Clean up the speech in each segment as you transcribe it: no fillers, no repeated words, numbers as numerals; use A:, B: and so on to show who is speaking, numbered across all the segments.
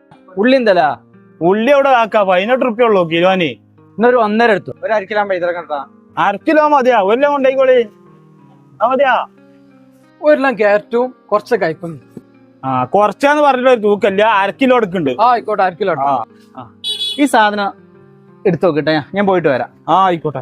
A: ഉള്ളി എന്തല്ല
B: ഉള്ളി അവിടെ ആക്കാ 18 റുപ്യ ഉള്ളൂ കിലോന്.
A: ഇന്നൊരു 1.5 എടുത്തു. ഒരു 1/2 കിലോ പൈതൃകം.
B: 1/2 കിലോ മതിയാ? 1 കിലോ കൊണ്ടേക്കോളി. മതിയാ?
A: 1 കിലോ ക്യാരറ്റും കുറച്ച് കയ്പും.
B: കുറച്ചാന്ന് പറഞ്ഞിട്ട് ഒരു തൂക്കല്ല, 1/2 കിലോ എടുക്കുന്നുണ്ട്.
A: ആയിക്കോട്ടെ, 1/2 കിലോ. ഈ സാധനം എടുത്തു നോക്കട്ടെ, ഞാൻ പോയിട്ട് വരാം.
B: ആയിക്കോട്ടെ.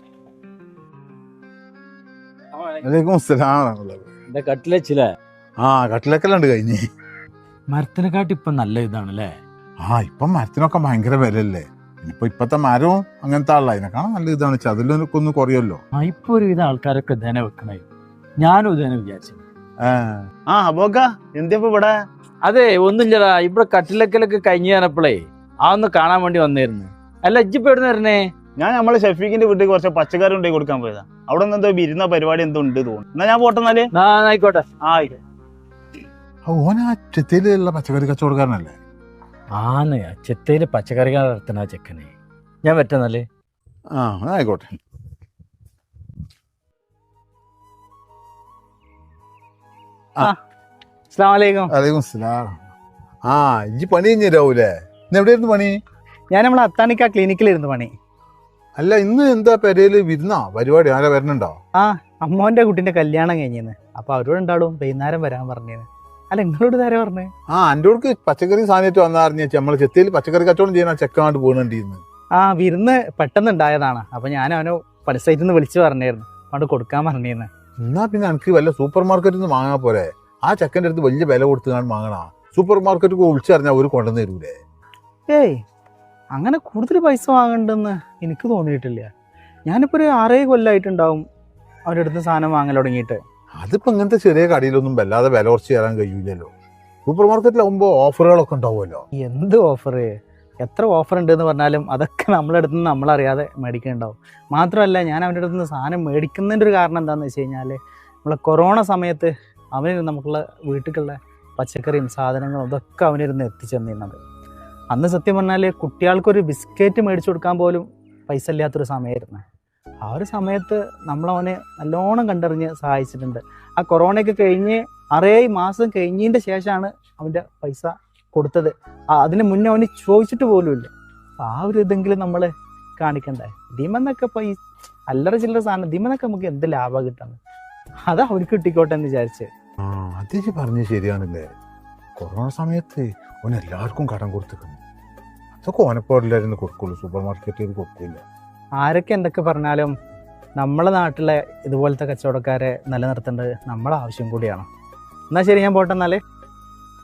A: കട്ടിലച്ചില്ലേ?
C: കട്ടിലൊക്കെല്ലാം ഉണ്ട് കഴിഞ്ഞ്.
A: മരത്തിനെക്കാട്ടി ഇപ്പൊ നല്ല ഇതാണല്ലേ?
C: ഇപ്പം മരത്തിനൊക്കെ ഭയങ്കര വിലയല്ലേ. ഇപ്പത്തെ മരവും അങ്ങനത്തെ ആളല്ല, അതിനെക്കാളും നല്ല ഇതാണ്. ചതിലൊക്കെ ഒന്ന് കുറയല്ലോ.
A: ഇപ്പൊ ഒരുവിധ ആൾക്കാരൊക്കെ ഇതേനെ വെക്കണേ. ഞാനും ഇതേനെ വിചാരിച്ചു.
B: എന്തിപ്പോ ഇവിടെ?
A: അതെ, ഒന്നുമില്ലടാ, ഇവിടെ കട്ടിലക്കലൊക്കെ കഴിഞ്ഞു തന്നപ്പോളേ ഒന്ന് കാണാൻ വേണ്ടി വന്നിരുന്നു. അല്ല, ഇജ്ജിപ്പോ എവിടെ വരണേ?
B: ഞാൻ നമ്മളെ ഷെഫീഖിന്റെ വീട്ടിൽ കുറച്ച് പച്ചക്കറി ഉണ്ടായി കൊടുക്കാൻ പോയതാ. അവിടെ നിന്ന് എന്തോ വിരുന്ന പരിപാടി എന്തോ ഉണ്ട് തോന്നുന്നു. എന്നാ ഞാൻ പോട്ടെന്നാല്.
A: ആയിക്കോട്ടെ.
C: ഓനാ ചെത്തിയിലുള്ള പച്ചക്കറി കച്ചവടക്കാരനല്ലേ?
A: ചെത്തയില് പച്ചക്കറി നടത്തുന്ന ചെക്കനെ. ഞാൻ പറ്റുന്നല്ലേ?
C: ആയിക്കോട്ടെ. ഇജ്ജ് പണി കഴിഞ്ഞാവൂലേ? ഇന്ന് എവിടെയായിരുന്നു പണി?
B: ഞാൻ നമ്മളെ അത്താണിക്ക ക്ലിനിക്കിലിരുന്ന് പണി.
C: അല്ല, ഇന്ന് എന്താ പെരയില് വിരുന്നാ പരിപാടി? ആരാ വരണുണ്ടോ?
B: അമ്മോന്റെ കുട്ടിന്റെ കല്യാണം കഴിഞ്ഞിരുന്നു. അപ്പൊ അവരോട് ഉണ്ടാവും വൈകുന്നേരം വരാൻ പറഞ്ഞത്. അല്ല, നിങ്ങളോട് നേരെ പറഞ്ഞേ?
C: എന്റെ അടുക്ക് പച്ചക്കറി സാധനമായിട്ട് വന്നറിഞ്ഞ നമ്മള് ചെത്തിയിൽ പച്ചക്കറി കച്ചവടം ചെയ്യുന്ന ചെക്കാണ്ട് പോകണ്ടിരുന്നു.
B: വിരുന്ന് പെട്ടെന്ന് ഉണ്ടായതാണ്. അപ്പൊ ഞാൻ അവനെ പണിസൈറ്റിൽ നിന്ന് വിളിച്ചു പറഞ്ഞായിരുന്നു, അവിടെ കൊടുക്കാൻ പറഞ്ഞിരുന്നു.
C: എന്നാ പിന്നെ എനിക്ക് വല്ല സൂപ്പർ മാർക്കറ്റിൽ നിന്ന് വാങ്ങാൻ പോരെ? ആ ചെക്കൻ്റെ അടുത്ത് വലിയ വില കൊടുത്ത് കാണാൻ വാങ്ങണ. സൂപ്പർ മാർക്കറ്റ് വിളിച്ചറിഞ്ഞാൽ ഒരു കൊണ്ടുവന്ന് തരൂലേ?
B: ഏയ്, അങ്ങനെ കൂടുതൽ പൈസ വാങ്ങണ്ടെന്ന് എനിക്ക് തോന്നിയിട്ടില്ല. ഞാനിപ്പോ ഒരു 6 കൊല്ലമായിട്ടുണ്ടാവും അവരുടെ അടുത്ത് സാധനം വാങ്ങൽ തുടങ്ങിയിട്ട്.
C: അതിപ്പോ ഇങ്ങനത്തെ ചെറിയ കടയിലൊന്നും വല്ലാതെ വില കുറച്ച് തരാൻ കഴിയില്ലല്ലോ. സൂപ്പർ മാർക്കറ്റിലാവുമ്പോ ഓഫറുകളൊക്കെ ഉണ്ടാവുമല്ലോ.
B: എന്ത് ഓഫർ? എത്ര ഓഫർ ഉണ്ട് എന്ന് പറഞ്ഞാലും അതൊക്കെ നമ്മളെ അടുത്ത് നിന്ന് നമ്മളറിയാതെ മേടിക്കുന്നുണ്ടാവും. മാത്രമല്ല, ഞാൻ അവൻ്റെ അടുത്ത് നിന്ന് സാധനം മേടിക്കുന്നതിൻ്റെ ഒരു കാരണം എന്താണെന്ന് വെച്ച് കഴിഞ്ഞാൽ, നമ്മളെ കൊറോണ സമയത്ത് അവന് നമുക്കുള്ള വീട്ടിലുള്ള പച്ചക്കറിയും സാധനങ്ങളും ഇതൊക്കെ അവനിരുന്ന് എത്തിച്ചെന്നിരുന്നത്. അന്ന് സത്യം പറഞ്ഞാൽ കുട്ടികൾക്കൊരു ബിസ്ക്കറ്റ് മേടിച്ചു കൊടുക്കാൻ പോലും പൈസ ഇല്ലാത്തൊരു സമയമായിരുന്നു. ആ ഒരു സമയത്ത് നമ്മളവനെ നല്ലോണം കണ്ടറിഞ്ഞ് സഹായിച്ചിട്ടുണ്ട്. ആ കൊറോണയൊക്കെ കഴിഞ്ഞ് 6 മാസം കഴിഞ്ഞതിൻ്റെ ശേഷമാണ് അവൻ്റെ പൈസ കൊടുത്തത്. അതിന് മുന്നേ അവന് ചോദിച്ചിട്ട് പോലുമില്ല. ആ ഒരു ഇതെങ്കിലും നമ്മൾ കാണിക്കണ്ടേ? ഇതിമെന്നൊക്കെ ഇപ്പോൾ ഈ അല്ലറ ചില്ലറ സാധനം, ഇതിമെന്നൊക്കെ നമുക്ക് എന്ത് ലാഭം കിട്ടുന്നത്? അത് അവർക്ക് കിട്ടിക്കോട്ടെ എന്ന് വിചാരിച്ച്.
C: അതേക്ക് പറഞ്ഞത് ശരിയാണല്ലേ. കൊറോണ സമയത്ത് ഓൻ എല്ലാവർക്കും കടം കൊടുത്തിട്ടുണ്ട്. അതൊക്കെ ഓനപ്പോഴല്ലായിരുന്നു കൊടുക്കുള്ളൂ, സൂപ്പർ മാർക്കറ്റിൽ കൊടുക്കില്ല.
B: ആരൊക്കെ എന്തൊക്കെ പറഞ്ഞാലും നമ്മളെ നാട്ടിലെ ഇതുപോലത്തെ കച്ചവടക്കാരെ നിലനിർത്തേണ്ടത് നമ്മളെ ആവശ്യം കൂടിയാണ്. എന്നാൽ ശരി, ഞാൻ പോട്ടെ എന്നാലേ.